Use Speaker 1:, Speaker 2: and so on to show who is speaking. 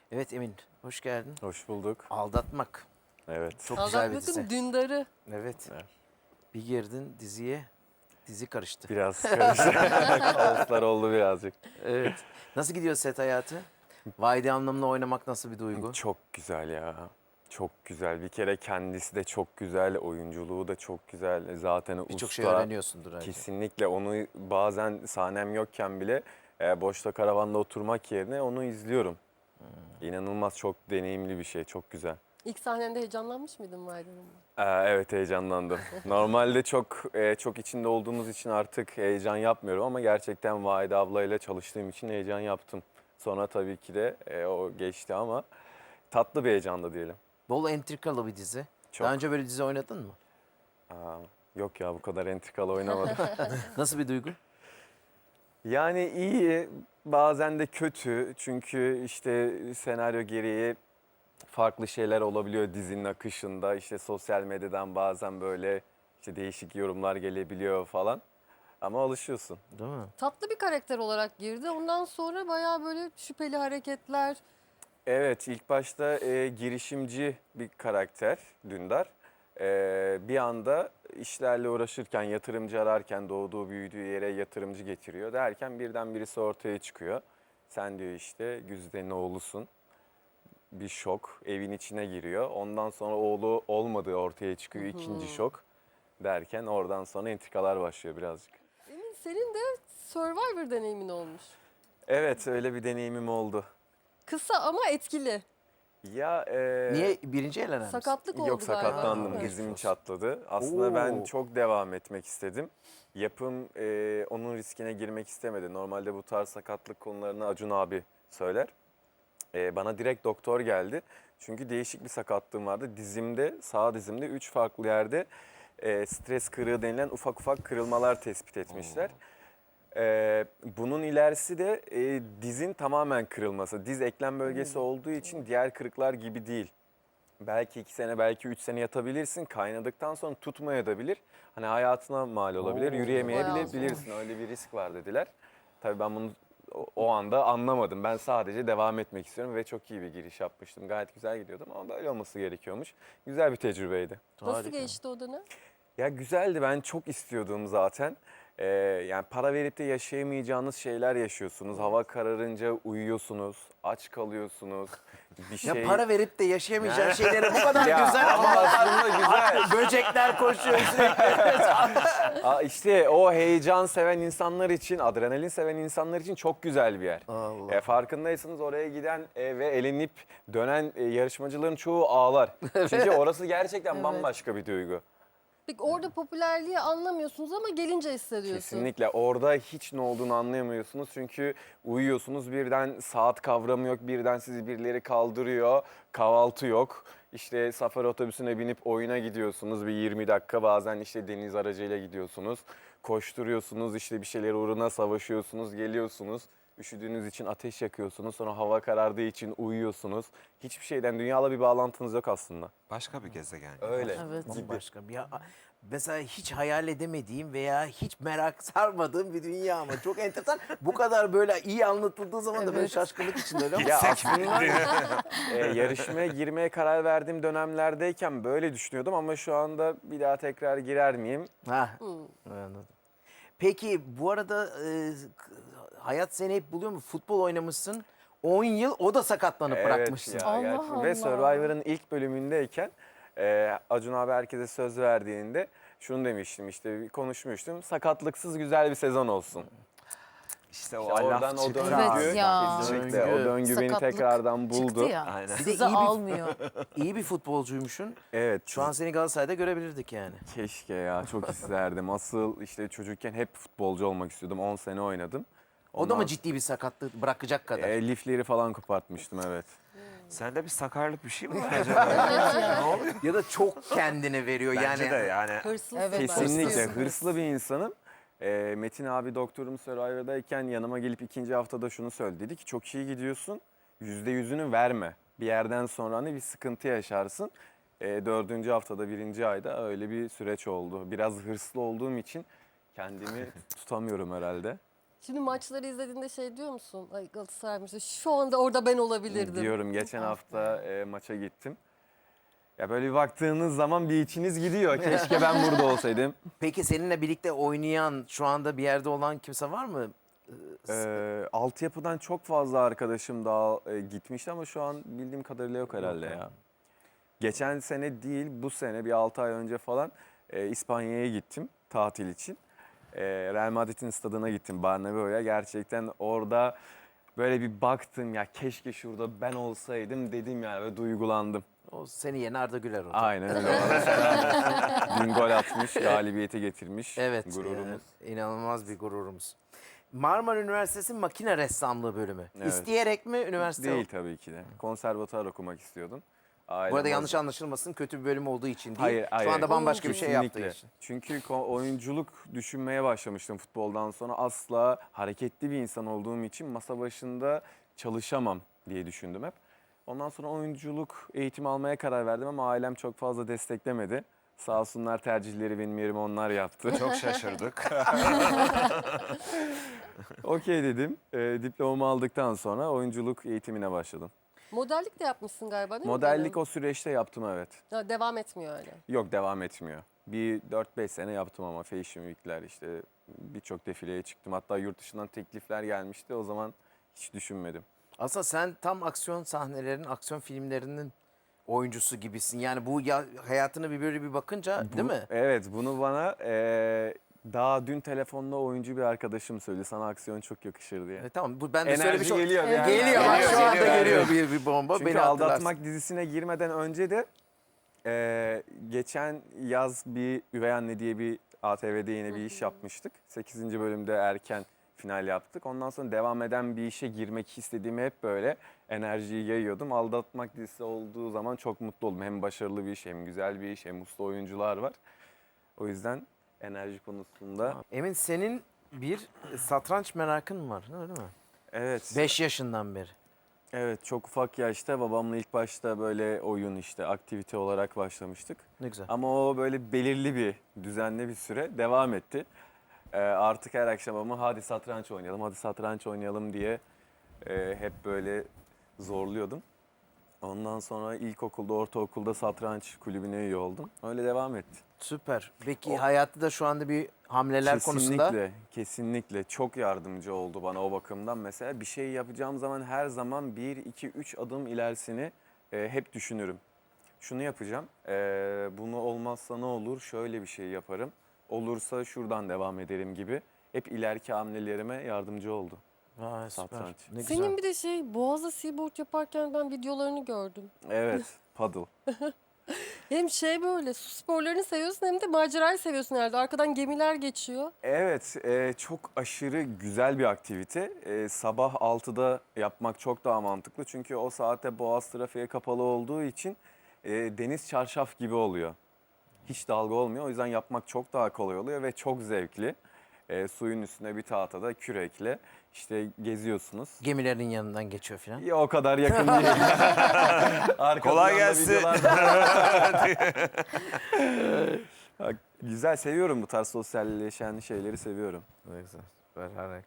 Speaker 1: Evet Emin, hoş geldin.
Speaker 2: Hoş bulduk.
Speaker 1: Aldatmak.
Speaker 2: Evet.
Speaker 1: Çok güzel bir dizi.
Speaker 3: Aldatmak'ın Dündar'ı.
Speaker 1: Evet.
Speaker 2: Evet.
Speaker 1: Bir girdin diziye, dizi karıştı.
Speaker 2: Biraz karışık. Kaoslar oldu birazcık.
Speaker 1: Evet. Nasıl gidiyor set hayatı? Vahide Hanım'la oynamak nasıl bir duygu?
Speaker 2: Çok güzel ya. Çok güzel. Bir kere kendisi de çok güzel. Oyunculuğu da çok güzel. Zaten
Speaker 1: Birçok
Speaker 2: usta.
Speaker 1: şey öğreniyorsundur herhalde.
Speaker 2: Kesinlikle onu bazen sahnem yokken bile boşta karavanda oturmak yerine onu izliyorum. İnanılmaz çok deneyimli bir şey. Çok güzel.
Speaker 3: İlk sahnende heyecanlanmış mıydın Vahide Hanım'la?
Speaker 2: Evet heyecanlandım. Normalde çok içinde olduğumuz için artık heyecan yapmıyorum ama gerçekten Vahide ablayla çalıştığım için heyecan yaptım. Sonra tabii ki de o geçti ama tatlı bir heyecandı diyelim.
Speaker 1: Bol entrikalı bir dizi.
Speaker 2: Çok.
Speaker 1: Daha önce böyle dizi oynadın mı?
Speaker 2: Aa, yok ya bu kadar entrikalı oynamadım.
Speaker 1: Nasıl bir duygu?
Speaker 2: Yani iyi bazen de kötü çünkü işte senaryo gereği farklı şeyler olabiliyor dizinin akışında. İşte sosyal medyadan bazen böyle işte değişik yorumlar gelebiliyor falan. Ama alışıyorsun.
Speaker 1: Değil mi?
Speaker 3: Tatlı bir karakter olarak girdi. Ondan sonra bayağı böyle şüpheli hareketler.
Speaker 2: Evet, ilk başta girişimci bir karakter Dündar. Bir anda işlerle uğraşırken, yatırımcı ararken doğduğu büyüdüğü yere yatırımcı getiriyor derken birden birisi ortaya çıkıyor. Sen diyor işte Güzide'nin oğlusun. Bir şok, evin içine giriyor. Ondan sonra oğlu olmadığı ortaya çıkıyor, ikinci şok derken oradan sonra entrikalar başlıyor birazcık.
Speaker 3: Emin senin de Survivor deneyimin olmuş.
Speaker 2: Evet, öyle bir deneyimim oldu.
Speaker 3: Kısa ama etkili.
Speaker 2: Ya
Speaker 1: Niye birinci elenen misin?
Speaker 3: Sakatlık oldu
Speaker 2: Yok
Speaker 3: galiba.
Speaker 2: sakatlandım,
Speaker 3: Evet.
Speaker 2: dizim çatladı. Aslında ben
Speaker 1: Oo.
Speaker 2: çok devam etmek istedim. Yapım onun riskine girmek istemedi. Normalde bu tarz sakatlık konularını Acun abi söyler. Bana direkt doktor geldi. Çünkü değişik bir sakatlığım vardı. Dizimde, sağ dizimde 3 farklı yerde stres kırığı denilen ufak ufak kırılmalar tespit etmişler. Bunun ilerisi de dizin tamamen kırılması. Diz eklem bölgesi olduğu için diğer kırıklar gibi değil. Belki 2 sene, belki 3 sene yatabilirsin. Kaynadıktan sonra tutmayabilir. Hani hayatına mal olabilir.
Speaker 1: Oo.
Speaker 3: Bayağı
Speaker 2: Yürüyemeyebilirsin. Öyle bir risk var dediler. Tabii ben bunu o anda anlamadım. Ben sadece devam etmek istiyorum ve çok iyi bir giriş yapmıştım. Gayet güzel gidiyordum ama böyle olması gerekiyormuş. Güzel bir tecrübeydi.
Speaker 3: Nasıl
Speaker 1: Harika.
Speaker 3: geçti o dönem?
Speaker 2: Ya güzeldi. Ben çok istiyordum zaten. Yani para verip de yaşayamayacağınız şeyler yaşıyorsunuz. Hava kararınca uyuyorsunuz, aç kalıyorsunuz. Bir
Speaker 1: Ya
Speaker 2: şey...
Speaker 1: para verip de yaşayamayacağın şeyleri bu kadar
Speaker 2: Ya
Speaker 1: güzel
Speaker 2: ama aslında güzel.
Speaker 1: Böcekler koşuyor sürekli.
Speaker 2: İşte o heyecan seven insanlar için, adrenalin seven insanlar için çok güzel bir yer.
Speaker 1: Allah.
Speaker 2: Farkındaysanız oraya giden ve elenip dönen yarışmacıların çoğu ağlar. Çünkü orası gerçekten
Speaker 3: Evet.
Speaker 2: bambaşka bir duygu.
Speaker 3: Peki orada popülerliği anlamıyorsunuz ama gelince hissediyorsun.
Speaker 2: Kesinlikle. Orada hiç ne olduğunu anlayamıyorsunuz. Çünkü uyuyorsunuz birden saat kavramı yok. Birden sizi birileri kaldırıyor. Kahvaltı yok. İşte safari otobüsüne binip oyuna gidiyorsunuz. Bir 20 dakika bazen işte deniz aracıyla gidiyorsunuz. Koşturuyorsunuz işte bir şeyler uğruna savaşıyorsunuz. Geliyorsunuz. Üşüdüğünüz için ateş yakıyorsunuz. Sonra hava karardığı için uyuyorsunuz. Hiçbir şeyden dünyayla bir bağlantınız yok aslında.
Speaker 4: Başka bir gezegen.
Speaker 2: Öyle.
Speaker 3: Evet.
Speaker 1: Bambaşka bir ya. Mesela hiç hayal edemediğim veya hiç merak sarmadığım bir dünya ama çok enteresan. Bu kadar böyle iyi anlatıldığı zaman da böyle
Speaker 3: Evet.
Speaker 1: şaşkınlık içinde öyle ama
Speaker 2: Ya aslında yarışmaya girmeye karar verdiğim dönemlerdeyken böyle düşünüyordum ama şu anda bir daha tekrar girer miyim?
Speaker 1: Ha, anladım. Peki bu arada hayat seni hep buluyor mu? Futbol oynamışsın. 10 yıl o da sakatlanıp bırakmışsın.
Speaker 2: ya
Speaker 3: Allah
Speaker 2: gerçekten. Ve
Speaker 3: Allah.
Speaker 2: Survivor'ın ilk bölümündeyken Acun abi herkese söz verdiğinde şunu demiştim işte konuşmuştum. Sakatlıksız güzel bir sezon olsun.
Speaker 4: İşte o
Speaker 2: İşte oradan
Speaker 4: laf
Speaker 2: o
Speaker 4: çıktı.
Speaker 2: döngü,
Speaker 5: Evet ya.
Speaker 2: kesinlikle o döngü beni
Speaker 5: Sakatlık
Speaker 2: tekrardan buldu.
Speaker 5: Çıktı ya.
Speaker 4: Aynen.
Speaker 1: Bir de
Speaker 5: Sizi
Speaker 1: iyi bir-
Speaker 5: almıyor.
Speaker 1: İyi bir futbolcuymuşsun.
Speaker 2: Evet.
Speaker 1: Şu an seni Galatasaray'da görebilirdik yani.
Speaker 2: Keşke ya çok isterdim. Asıl işte çocukken hep futbolcu olmak istiyordum. 10 sene oynadım.
Speaker 1: O da mı
Speaker 2: Ondan-
Speaker 1: ciddi bir sakatlık bırakacak kadar?
Speaker 2: Lifleri falan kopartmıştım evet.
Speaker 4: Sende bir sakarlık bir şey mi var acaba? Ne oluyor?
Speaker 1: Ya da çok kendine veriyor
Speaker 4: Bence
Speaker 1: yani.
Speaker 4: de yani.
Speaker 3: Hırslı.
Speaker 5: Evet,
Speaker 2: Kesinlikle
Speaker 5: hırslı.
Speaker 2: hırslı bir insanım. Metin abi doktorum Survivor'dayken yanıma gelip ikinci haftada şunu söyledi. Dedi ki çok iyi gidiyorsun. %100'ünü verme. Bir yerden sonra hani bir sıkıntı yaşarsın. 4. haftada 1. ayda öyle bir süreç oldu. Biraz hırslı olduğum için kendimi tutamıyorum herhalde.
Speaker 3: Şimdi maçları izlediğinde şey diyor musun? Ay Galatasaray'mış. Şu anda orada ben olabilirdim.
Speaker 2: Diyorum geçen hafta maça gittim. Ya böyle bir baktığınız zaman bir içiniz gidiyor. Keşke ben burada olsaydım.
Speaker 1: Peki seninle birlikte oynayan, şu anda bir yerde olan kimse var mı?
Speaker 2: Altyapıdan çok fazla arkadaşım daha gitmişti ama şu an bildiğim kadarıyla yok herhalde
Speaker 1: Yok,
Speaker 2: ya. Geçen sene değil, bu sene bir 6 ay önce falan İspanya'ya gittim tatil için. Real Madrid'in stadına gittim, Bernabeu'ya. Gerçekten orada böyle bir baktım, ya keşke şurada ben olsaydım dedim yani, ve duygulandım.
Speaker 1: O seni yeni Arda Güler oldu.
Speaker 2: Aynen öyle. Ona selam olsun. Dün gol atmış, galibiyete getirmiş.
Speaker 1: Evet.
Speaker 2: Gururumuz.
Speaker 1: İnanılmaz bir gururumuz. Marmara Üniversitesi Makine Ressamlığı bölümü.
Speaker 2: Evet.
Speaker 1: İsteyerek mi üniversite?
Speaker 2: Değil tabii ki de. Konservatuar okumak istiyordum. Ailem
Speaker 1: Bu arada
Speaker 2: o-
Speaker 1: yanlış anlaşılmasın, kötü bir bölüm olduğu için değil.
Speaker 2: Hayır, hayır.
Speaker 1: Şu anda bambaşka bir şey yaptığı
Speaker 2: Kesinlikle.
Speaker 1: için.
Speaker 2: Çünkü oyunculuk düşünmeye başlamıştım futboldan sonra. Asla hareketli bir insan olduğum için masa başında çalışamam diye düşündüm hep. Ondan sonra oyunculuk eğitimi almaya karar verdim ama ailem çok fazla desteklemedi. Sağ olsunlar, tercihleri benim yerime onlar yaptı.
Speaker 4: Çok şaşırdık.
Speaker 2: Okey dedim. Diplomamı aldıktan sonra oyunculuk eğitimine başladım.
Speaker 3: Modellik de yapmışsın galiba değil mi?
Speaker 2: Modellik
Speaker 3: Benim?
Speaker 2: o süreçte yaptım, evet.
Speaker 3: Ha, devam etmiyor öyle.
Speaker 2: Yok, devam etmiyor. Bir 4-5 sene yaptım ama Fashion Week'ler, işte birçok defileye çıktım. Hatta yurt dışından teklifler gelmişti. O zaman hiç düşünmedim.
Speaker 1: Aslında sen tam aksiyon sahnelerinin, aksiyon filmlerinin oyuncusu gibisin. Yani bu hayatını bir böyle bir bakınca değil mi?
Speaker 2: Evet, bunu bana daha dün telefonda oyuncu bir arkadaşım söyledi. Sana aksiyon çok yakışır diye.
Speaker 1: Tamam, bu ben de
Speaker 2: Enerji
Speaker 1: söylemiş oldum.
Speaker 2: geliyor. bir
Speaker 3: Evet.
Speaker 2: yerden.
Speaker 1: Geliyor, bak şu anda
Speaker 2: Geliyor.
Speaker 1: geliyor bir bomba.
Speaker 2: Çünkü
Speaker 1: Beni hatırlarsın.
Speaker 2: Aldatmak dizisine girmeden önce de geçen yaz bir Üvey Anne diye bir ATV'de yine bir iş yapmıştık. 8. bölümde erken final yaptık. Ondan sonra devam eden bir işe girmek istediğimi hep böyle enerjiyi yayıyordum. Aldatmak dizisi olduğu zaman çok mutlu oldum. Hem başarılı bir iş, hem güzel bir iş, hem uslu oyuncular var. O yüzden enerji konusunda
Speaker 1: Emin, senin bir satranç merakın var öyle mi?
Speaker 2: evet.
Speaker 1: 5 yaşından beri.
Speaker 2: Evet, çok ufak yaşta babamla ilk başta böyle oyun, işte aktivite olarak başlamıştık.
Speaker 1: Ne güzel.
Speaker 2: Ama o böyle belirli bir, düzenli bir süre devam etti. Artık her akşam ama hadi satranç oynayalım, hadi satranç oynayalım diye hep böyle zorluyordum. Ondan sonra ilkokulda, ortaokulda satranç kulübüne üye oldum. Öyle devam etti.
Speaker 1: Süper. Peki hayatı da şu anda bir hamleler konusunda
Speaker 2: Kesinlikle, kesinlikle çok yardımcı oldu bana o bakımdan. Mesela bir şey yapacağım zaman her zaman 1, 2, 3 adım ilerisini hep düşünürüm. Şunu yapacağım, bunu olmazsa ne olur, şöyle bir şey yaparım. Olursa şuradan devam ederim gibi. Hep ileriki hamlelerime yardımcı oldu.
Speaker 1: Vay, süper.
Speaker 2: Satranç.
Speaker 1: Ne güzel.
Speaker 3: Senin bir de şey Boğaz'da seaboard yaparken ben videolarını gördüm.
Speaker 2: Evet, paddle.
Speaker 3: Hem şey böyle su sporlarını seviyorsun hem de macerayı seviyorsun herhalde. Arkadan gemiler geçiyor.
Speaker 2: Evet, çok aşırı güzel bir aktivite. Sabah 6'da yapmak çok daha mantıklı. Çünkü o saatte Boğaz trafiğe kapalı olduğu için deniz çarşaf gibi oluyor. Hiç dalga olmuyor. O yüzden yapmak çok daha kolay oluyor ve çok zevkli. Suyun üstüne bir tahtada kürekle işte geziyorsunuz.
Speaker 1: Gemilerin yanından geçiyor falan.
Speaker 2: Ya o kadar yakın değil. Arka
Speaker 4: Kolay
Speaker 2: planda
Speaker 4: gelsin.
Speaker 2: videolar- Güzel, seviyorum bu tarz sosyalleşen şeyleri, seviyorum.
Speaker 1: Ne güzel. Süper, harika.